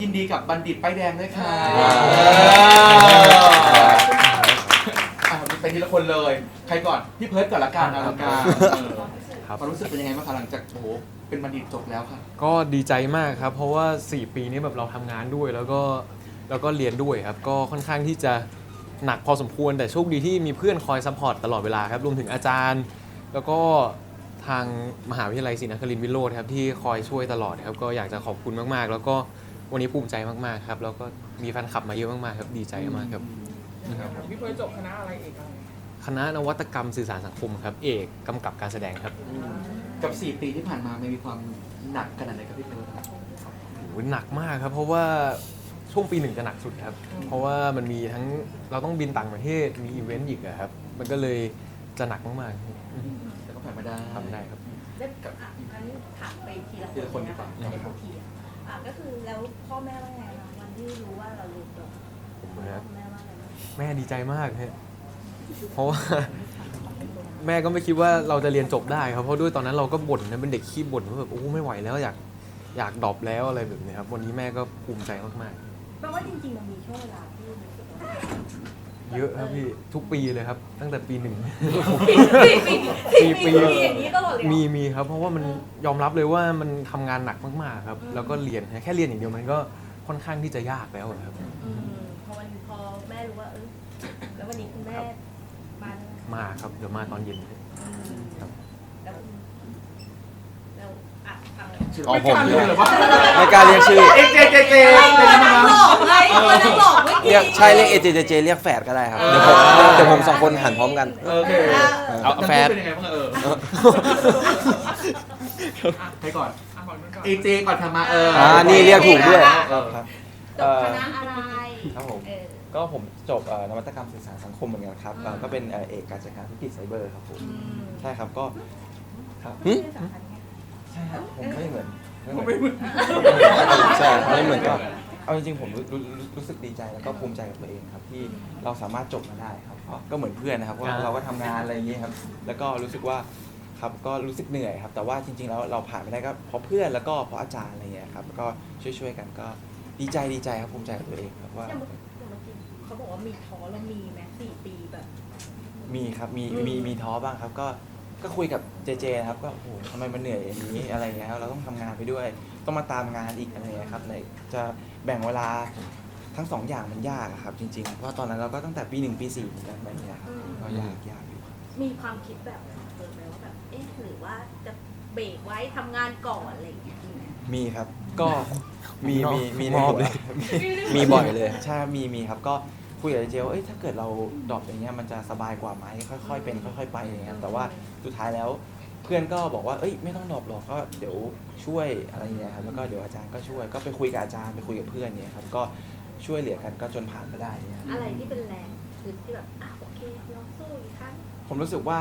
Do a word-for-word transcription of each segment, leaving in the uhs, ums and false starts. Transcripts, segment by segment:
ยินดีกับบัณฑิตป้ายแดงด้วยค่ะไปทีละคนเลยใครก่อนพี่เพิร์ทก่อนละกันอลังการความรู้สึกเป็นยังไงบ้างคะหลังจากโอ้โหเป็นบัณฑิตจบแล้วค่ะก็ดีใจมากครับเพราะว่าสี่ปีนี้แบบเราทำงานด้วยแล้วก็แล้วก็เรียนด้วยครับก็ค่อนข้างที่จะหนักพอสมควรแต่โชคดีที่มีเพื่อนคอยซัพพอร์ตตลอดเวลาครับรวมถึงอาจารย์ แล้วก็ทางมหาวิทยาลัยศรีนครินทร์วิโรจน์ครับที่คอยช่วยตลอดครับก็อยากจะขอบคุณมากๆแล้วก็วันนี้ภูมิใจมากๆครับแล้วก็มีแฟนคลับมาเยอะมากๆครับดีใจมากครับพี่เพิร์ทจบคณะอะไรเอกอะไรคณะนวัตกรรมสื่อสารสังคมครับเอกกำกับการแสดงครับกับสี่ปีที่ผ่านมามันมีความหนักขนาดไหนครับพี่เพิร์ทโหหนักมากครับเพราะว่าช่วงปีหนึ่งจะหนักสุดครับเพราะว่ามันมีทั้งเราต้องบินต่างประเทศมีอีเวนต์อีกครับมันก็เลยจะหนักมากๆแต่ก็ผ่านมาได้ทำได้ครับแล้วงั้นถามไปทีละคนนะคะทีละทีอ่ะก็คือแล้วพ่อแม่ว่าไงคะวันที่รู้ว่าเราเรียนจบแม่ว่าไงแม่ดีใจมากฮะเพราะว่าแม่ก็ไม่คิดว่าเราจะเรียนจบได้ครับเพราะด้วยตอนนั้นเราก็บ่นนะเป็นเด็กขี้บ่นว่าแบบโอ้ไม่ไหวแล้วอยากอยากดรอปแล้วอะไรแบบนี้ครับวันนี้แม่ก็ภูมิใจมากๆแปลว่าจริงๆมันมีช่วงเวลาที่รู้สึกว่าเยอะครับพี่ทุกปีเลยครับตั้งแต่ปีหนึ่งปีปีอย่างนี้ตลอดเลยมีมีครับเพราะว่ามันยอมรับเลยว่ามันทำงานหนักมากๆครับแล้วก็เรียนแค่เรียนอย่างเดียวมันก็ค่อนข้างที่จะยากแล้วครับพอวันพอแม่รู้ว่าเออแล้ววันนี้คุณแม่มามาครับเดี๋ยวมาตอนเย็นครับแล้วแล้วอ่ะฟังเลยอ๋อผมไม่กล้าเรียกชื่อเอเจเจเจเป็นยังไงบ้างเรียกใช่เรียกเอเจเจเจเรียกแฝดก็ได้ครับเดี๋ยวผมเดี๋ยวผมสองคนหันพร้อมกันโอเคเอาแฝดเป็นยังไงบ้างเออใครก่อนเอเจก่อนทำมาเอออ่านี่เรียกถูกด้วยครับจบคณะอะไรครับผมก็ผมจบนวัตกรรมสื่อสารสังคมเหมือนกันครับก็เป็นเอกการจัดการธุรกิจไซเบอร์ครับผมใช่ครับก็ครับใช่ครับผมไม่เหมือนไม่เหมือนใช่ไม่เหมือนก็เอาจริงๆผมรู้รู้สึกดีใจแล้วก็ภูมิใจกับตัวเองครับที่เราสามารถจบมาได้ครับก็เหมือนเพื่อนนะครับว่าเราก็ทำงานอะไรอย่างนี้ครับแล้วก็รู้สึกว่าครับก็รู้สึกเหนื่อยครับแต่ว่าจริงๆแล้วเราผ่านไปได้ก็เพราะเพื่อนแล้วก็เพราะอาจารย์อะไรเงี้ยครับก็ช่วยๆกันก็ดีใจดีใจครับภูมิใจกับตัวเองครับว่าเขาบอกว่ามีท้อแล้วมีแม้สี่ปีแบบมีครับมีมีมีท้อบ้างครับก็ก็คุยกับเจเจครับก็โอ้โหทำไมมันเหนื่อยอย่างนี้อะไรเงี้ยเราต้องทำงานไปด้วยต้องมาตามงานอีกอะไรเงี้ยครับไหนจะแบ่งเวลาทั้งสองอย่างมันยากครับจริงๆเพราะตอนนั้นเราก็ตั้งแต่ปีหนึ่งปีสี่แบบนี้ครับก็ยากยากอยู่มีความคิดแบบเออไหมว่าแบบเอ๊ะหรือว่าจะเบรกไว้ทำงานก่อนอะไรอย่างเงี้ยมีครับก็มีมีมีในหัวมีบ่อยเลยใช่มีมีครับก็คุยกับเจลว่าเอ้ยถ้าเกิดเราดรอปอย่างเงี้ยมันจะสบายกว่าไหมค่อยๆเป็นค่อยๆไปอย่างเงี้ยแต่ว่าสุดท้ายแล้วเพื่อนก็บอกว่าเอ้ยไม่ต้องดรอปหรอกก็เดี๋ยวช่วยอะไรเงี้ยครับแล้วก็เดี๋ยวอาจารย์ก็ช่วยก็ไปคุยกับอาจารย์ไปคุยกับเพื่อนเนี่ยครับก็ช่วยเหลือกันก็จนผ่านมาได้เนี่ยอะไรที่เป็นแรงคือที่แบบอ่ะโอเคลองสู้อีกครั้งผมรู้สึกว่า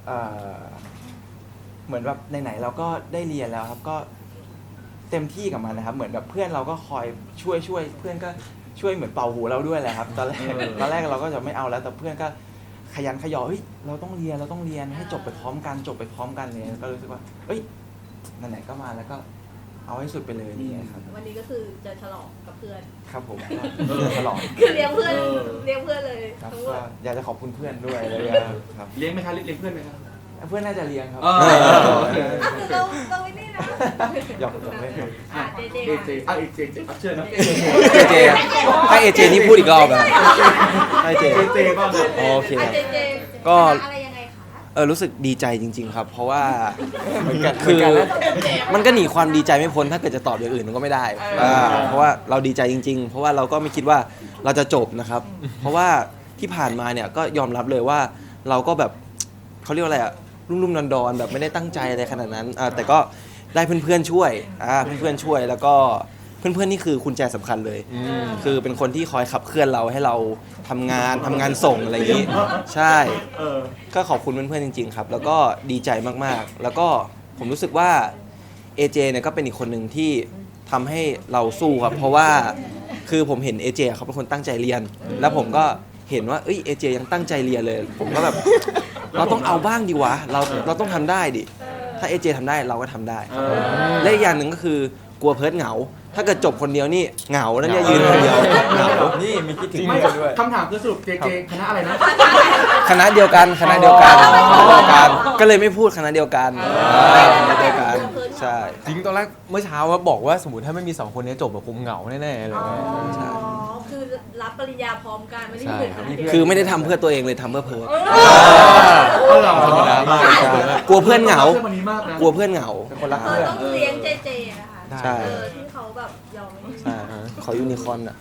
เหมือนแบบไหนๆเราก็ได้เรียนแล้วครับก็เต็มที่กับมันนะครับเหมือนแบบเพื่อนเราก็คอยช่วยช่วยเพื่อนก็ช่วยเหมือนเป่าหูเราด้วยแหละครับตอนแรกตอนแรกเราก็จะไม่เอาแล้วแต่เพื่อนก็ขยันขยอเฮ้ยเราต้องเรียนเราต้องเรียนให้จบไปพร้อมกันจบไปพร้อมกันเลยก็รู้สึกว่าเอ้ยไหนๆก็มาแล้วก็เอาให้สุดไปเลยนี่ครับวันนี้ก็คือจะฉลองกับเพื่อนครับผมฉลองคือเลี้ยงเพื่อนเลี้ยงเพื่อนเลยครับก็อยากจะขอบคุณเพื่อนด้วยเลยครับเลี้ยงไหมคะเลี้ยงเพื่อนไหมครับเพื่อนน่าจะเลี้ยงครับเราเราไม่ได้นะหยอกหยอกเล่นอ่ะเจเจเอเจอ่ะเอเจเจเชิญนะเจเจให้เอเจนี่พูดอีกรอบนะให้เจเจบ้างโอเคก็เออรู้สึกดีใจจริงๆครับเพราะว่าคือมันก็หนีความดีใจไม่พ้นถ้าเกิดจะตอบอย่างอื่นมันก็ไม่ได้เพราะว่าเราดีใจจริงๆเพราะว่าเราก็ไม่คิดว่าเราจะจบนะครับเพราะว่าที่ผ่านมาเนี่ยก็ยอมรับเลยว่าเราก็แบบเขาเรียกว่าอะไรอะรุ่มๆดอนๆแบบไม่ได้ตั้งใจอะไรขนาดนั้นแต่ก็ได้เพื่อนๆช่วยเพื่อนๆช่วยแล้วก็เพื่อนๆนี่คือกุญแจสำคัญเลยคือเป็นคนที่คอยขับเคลื่อนเราให้เราทำงานทำงานส่งอะไรอย่างนี้ใช่ก็ขอบคุณเพื่อนๆจริงๆครับแล้วก็ดีใจมากๆแล้วก็ผมรู้สึกว่า เอ เจ เนี่ยก็เป็นอีกคนหนึ่งที่ทำให้เราสู้ครับเพราะว่าคือผมเห็น เอ เจ เขาเป็นคนตั้งใจเรียนแล้วผมก็เห็นว่าเอ้ย เอ เจ ยังตั้งใจเรียนเลยผมก็แบบเราต้องเอาบ้างดีวะเราเราต้องทำได้ดิถ้า เอ เจ ทำได้เราก็ทำได้และอีกอย่างหนึ่งก็คือกลัวเพิร์ทเหงาถ้าเกิดจบคนเดียวนี่เหงาแล้วเนี่ยยืนคนเดียวเหงานี่มีคิดถึงไม่เพื่อนด้วยคำถามคือสรุปเจเจคณะอะไรนะคณะเดียวกันคณะเดียวกันอ๋อคณะเดียวกันก็เลยไม่พูดคณะเดียวกันอ่าคณะเดียวกันใช่จริงตอนแรกเมื่อเช้าว่าบอกว่าสมมติถ้าไม่มีสองคนนี้จบแบบคงเหงาแน่ๆเลยอ๋อใช่คือรับปริญญาพร้อมกันไม่ได้ใช่เรียนครับนเดียวคือไม่ได้ทำเพื่อตัวเองเลยทำเพื่อเพิร์ดเออเหรอธรรมดามากใช่กลัวเพื่อนเหงาเพื่อนวันนี้มากนะกลัวเพื่อนเหงาเป็นคนรักเธอเพื่อนต้องเลี้ยงเจเจนะคะใช่เออที่เขาแบบยอมไม่ใช่ขอยูนิคอร์นอ่ะ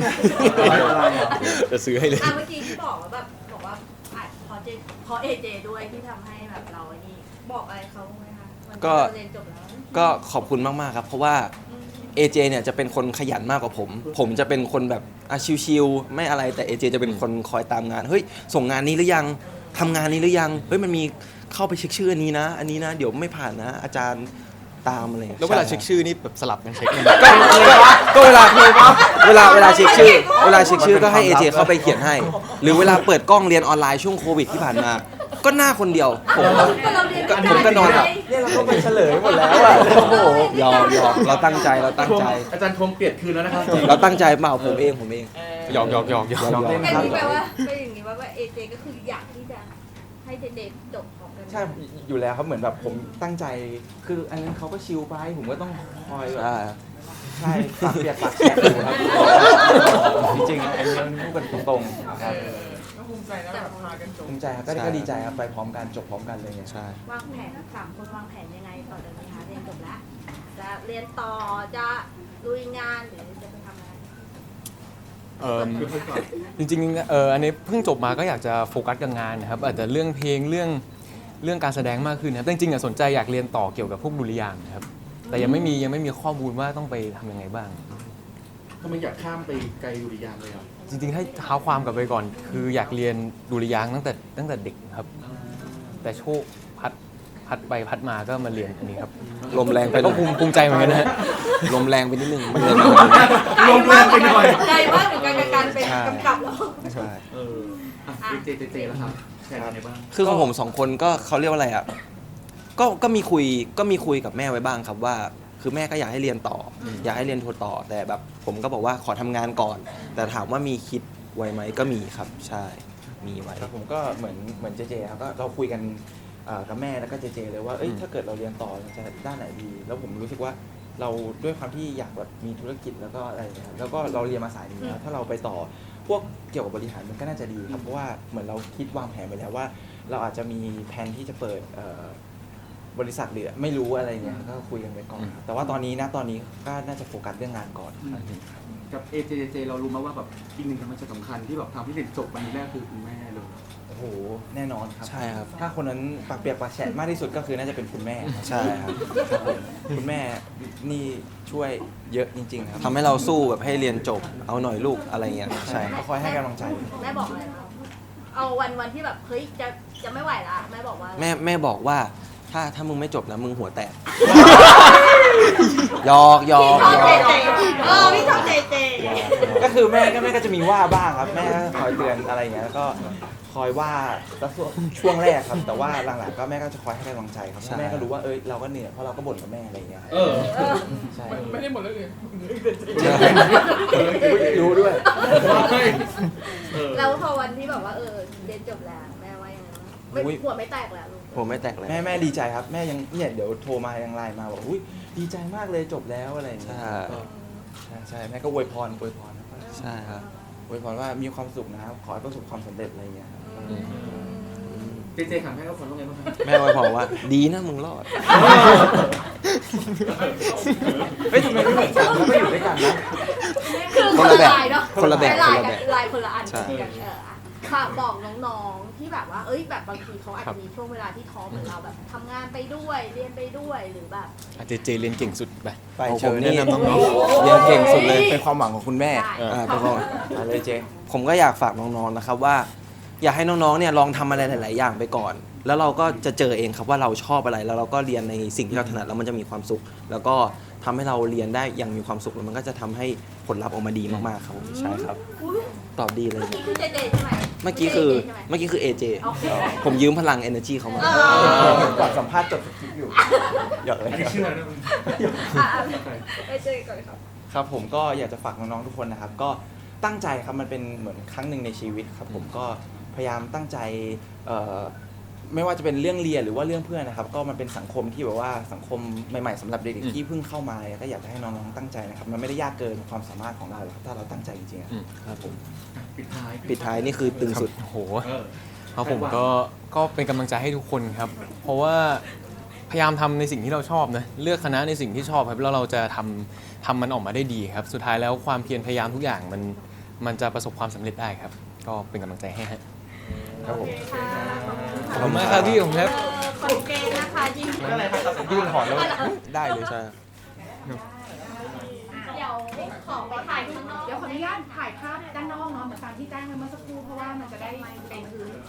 จะซื้อให้เลยอ่ะเมื่อกี้ที่บอกว่าแบบบอกว่าอ่ะเพราะเจเพราะเอเจด้วยที่ทำให้แบบเราไอ้นี่บอกอะไรเขาไหมคะวันที่ก็เราเรียนจบแล้วก็ขอบคุณมากๆครับ เพราะว่า เอ เจ เนี่ยจะเป็นคนขยันมากกว่าผม ผมจะเป็นคนแบบอ่ะชิวๆไม่อะไรแต่ เอ เจ จะเป็นคนคอยตามงานเฮ้ยส่งงานนี้หรือยังทำงานนี้หรือยังเฮ้ยมันมีเข้าไปเช็คชื่ออันนี้นะ อันนี้นะเดี๋ยวไม่ผ่านนะ อาจารย์ตามอะไรอย่างงี้ยแล้วเวลาใเช็คชื่อนี่แบบสลับกันเช็คกันก็ก็ก็เวลาเวลาเวลาเช็คชื่อ เวลาเช็คชื่อก็ให้ เอ เจ เข้าไปเขียนให้ หรือเวลาเปิดกล้องเรียนออนไลน์ช่วงโควิดที่ผ่านมา ก็หน้าคนเดียวผมก็เราเรียนก็ผมก็นอนหลับเนี่ยเราก็ไปเฉลยหมดแล้วอ่ะโอ้โหยอมยอมเราตั้งใจเราตั้งใจอาจารย์ทวงเปลี่ยนคืนแล้วนะครับเราตั้งใจเปล่าผมเองผมเองหยอกหยอกหยอกหยอกยอมเป็นอย่างนี้แปลว่าเป็นอย่างนี้ว่าว่าเอเจก็คืออยากที่จะให้เด็กๆจบพร้อมกันใช่อยู่แล้วครับเหมือนแบบผมตั้งใจคืออันนั้นเขาก็ชิลไปผมก็ต้องคอยแบบอ่าใช่ปากเปียกปากแฉะอยู่ครับจริงๆอันนี้มันพูดกันตรงๆครับก็ภูมิใจนะแบบพากันจบภูมิใจครับก็ก็ดีใจครับไปพร้อมกันจบพร้อมกันเลยไงใช่วางแผนสามคนวางแผนยังไงต่อจากนี้คะเรียนจบแล้ว จะเรียนต่อจะลุยงานหรือจะไปทำอะไรเอิ่มจริงๆเอออันนี้เพิ่งจบมาก็อยากจะโฟกัสกับงานนะครับอาจจะเรื่องเพลงเรื่องเรื่องการแสดงมากขึ้นนะครับแต่จริงๆอะสนใจอยากเรียนต่อเกี่ยวกับพวกดุริยางค์นะครับแต่ยังไม่มียังไม่มีข้อมูลว่าต้องไปทำยังไงบ้างทำไมอยากข้ามไปไกลดุริยางค์เลยอ่ะจริงๆให้เท้าความกลับไปก่อน คืออยากเรียนดุริยางค์ตั้งแต่ตั้งแต่เด็กครับ แต่โชคพัดพัดไปพัดมาก็มาเรียนอันนี้ครับลมแรงไปแต่หก็น่อยภูมิภูมิใจเหมือนกันนะฮะลมแรงไปนิดนึงมันเลยลงแรงไปหน่อยใจว่าถึงการการเป็นใช่กำกับแล้วใช่เอออ่ะเจเจเจแล้วครับแชร์กันได้บ้างคือของผมสองคนก็เขาเรียกว่าอะไรอ่ะก็ก็มีคุยก็มีคุยกับแม่ไว้บ้างครับว่า คือแม่ก็อยากให้เรียนต่อออยากให้เรียนโทต่อแต่แบบผมก็บอกว่าขอทำงานก่อน แต่ถามว่ามีคิดไว้ไหมก็มีครับ ใช่มีไว้ครับผมก็เหมือนเหมือนเจเจครับก็เราคุยกันเอ่อกับแม่แล้วก็เจเจเลยว่าเอ้ยอืมถ้าเกิดเราเรียนต่อเราจะด้านไหนดี แล้วผมรู้สึกว่าเราด้วยความที่อยากแบบมีธุรกิจแล้วก็อะไรอย่างเงี้ยครับแล้วก็เราเรียนมาสายนี้แล้วถ้าเราไปต่อพวกเกี่ยวกับบริหารมันก็น่าจะดีครับเพราะว่าเหมือนเราคิดวางแผนไปแล้วว่า เราอาจจะมีแผนที่จะเปิดเอ่อบริษัทหรือไม่รู้อะไรเงี้ยก็คุยกันไปก่อนครับแต่ว่าตอนนี้นะตอนนี้ก็น่าจะโฟกัสเรื่องงานก่อนครับกับเอเจเจเรารู้มาว่าแบบอีกหนึ่งมันจะสำคัญที่แบบทำให้เรียนจบวันนี้แรกคือคุณแม่เลยโอ้โหแน่นอนครับใช่ครับถ้าคนนั้นปากเปียกปากแฉะมากที่สุดก็คือน่าจะเป็นคุณแม่ครับใช่ครับครับผมคุณแม่นี่ช่วยเยอะจริง ๆ ครับทำให้เราสู้แบบให้เรียนจบเอาหน่อยลูกอะไรเงี้ยใช่ครับเขาคอยให้กำลังใจแม่บอกอะไรคะเอาวันวันที่แบบเฮ้ยจะจะไม่ไหวละแม่บอกว่าแม่แม่บอกว่าถ้าถ้ามึงไม่จบนะมึงหัวแตกหยอกหยอพี่กชอบหยเจอกเจเออพี่ชอบเจเจก็คือแม่ก็แม่ก็จะมีว่าบ้างครับ แม่ก็คอยเตือนอะไรอย่างเงี้ยแล้วก็คอยว่าแล้วช่วงช่วงแรกครับ แต่ว่าหลังๆก็แม่ก็จะคอยให้กำลังใจครับเพราะแม่ก็รู้ว่าเอ้ยเราก็เหนื่อยเพราะเราก็บ่นกับแม่อะไรอย่างเงี้ยครับเออใช่มันไม่ได้หมดแล้วเลยรู้ด้วยเออแล้วพอวันที่แบบว่าเออเรียนจบแล้วแม่ว่ายังไงบ้างไม่หัวไม่แตกแล้วลูกผมไม่แตกเลยแม่แม่ดีใจครับ แม่ยังเนี่ยเดี๋ยวโทรมายังไลน์มาบอกอุ้ยดีใจมากเลยจบแล้วอะไรอย่างเงี้ยใช่ใช่ใช่แม่ก็อวยพรอวยพรนะครับใช่ครับอวยพรว่ามีความสุขนะครับขอให้ประสบความสำเร็จอะไรอย่างเงี้ยครับเจเจถามให้เขาคนว่าไงบ้างครับแม่ไว้บอกว่า ดีนะมึงรอดเฮ้ยทำไมไม่เหมือนกันแล้วไม่อยู่ด้วยกันนะคือคนละแบบลายเนาะคนละแบบลายคนละกัแบบนลายคนละอันใช่กันเอออ่ะค่ะบอกน้องๆที่แบบว่า เอ้ยแบบบางทีเขาอาจครัจะบมีช่วงเวลาที่ท้อเหมือนเราแบบทำงานไปด้วยเรียนไปด้วยหรือแบบอาเจเจเรียนเก่งสุดไปไปของเชิผมญนี่แนะนำน้องเรียนเก่งสุดเลยๆเป็นความหวังของคุณแม่ได้อ่าเป็นความมาเลยเจผมก็อยากฝากน้องๆนะครับว่า อยากให้น้องๆเนี่ยลองทำอะไรหลาย ๆ อย่างไปก่อน แล้วเราก็จะเจอเองครับว่าเราชอบอะไรแล้วเราก็เรียนในสิ่งที่เราถนัดแล้วมันจะมีความสุข แล้วก็ทำให้เราเรียนได้อย่างมีความสุขแล้วมันก็จะทำให้ผลลัพธ์ออกมาดีมากๆครับผมใช่ครับอุ๊ยตอบดีเลยเมื่อกี้คือเจเจใช่ไหมเมื่อกี้คือใช่ไหมเมื่อกี้คือ เอ เจโอเคผมยืมพลัง energy เขามาเออก่อนสัมภาษณ์จดสคริปต์อยู่หยอกเลยอันนี้เชื่อนะมึงอ่ะอ่ะเอเจก่อนครับครับผมก็อยากจะฝากน้องๆทุกคนนะครับ ก็ตั้งใจครับมันเป็นเหมือนครั้งหนึ่งในชีวิตครับผมก็พยายามตั้งใจเอ่อไม่ว่าจะเป็นเรื่องเรียนหรือว่าเรื่องเพื่อนนะครับ ก็มันเป็นสังคมที่แบบว่าสังคมใหม่ๆสำหรับเด็กๆที่เพิ่งเข้ามาก็อยากจะให้น้องๆตั้งใจนะครับมันไม่ได้ยากเกินความสามารถของเราหรอกครับถ้าเราตั้งใจจริงๆอะอืมครับผมปิดท้ายปิดท้ายนี่คือตึงสุดโอ้โหเออครับผมก็ก็เป็นกำลังใจให้ทุกคนครับ เพราะว่าพยายามทำในสิ่งที่เราชอบนะเลือกคณะในสิ่งที่ชอบครับแล้วเราจะทำทำมันออกมาได้ดีครับ สุดท้ายแล้วความเพียรพยายามทุกอย่างมันมันจะประสบความสำเร็จได้ครับ ก็เป็นกำลังใจให้ฮะครับผมขอบคุณมากครับพี่ผมครับขอบเกณฑ์นะคะยินดีพี่ถอนแล้วได้เลยใช่เดี๋ยวขอไปถ่ายข้างนอกเดี๋ยวขออนุญาตถ่ายภาพด้านนอกเนาะเหมือนตามที่แจ้งไว้เมื่อสักครู่เพราะว่ามันจะได้เป็นพื้น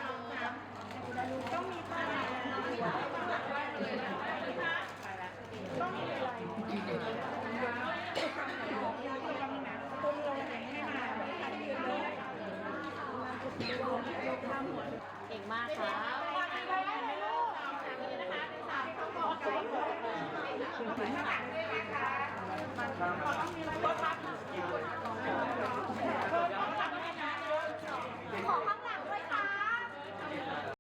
เก่งมากค่ะ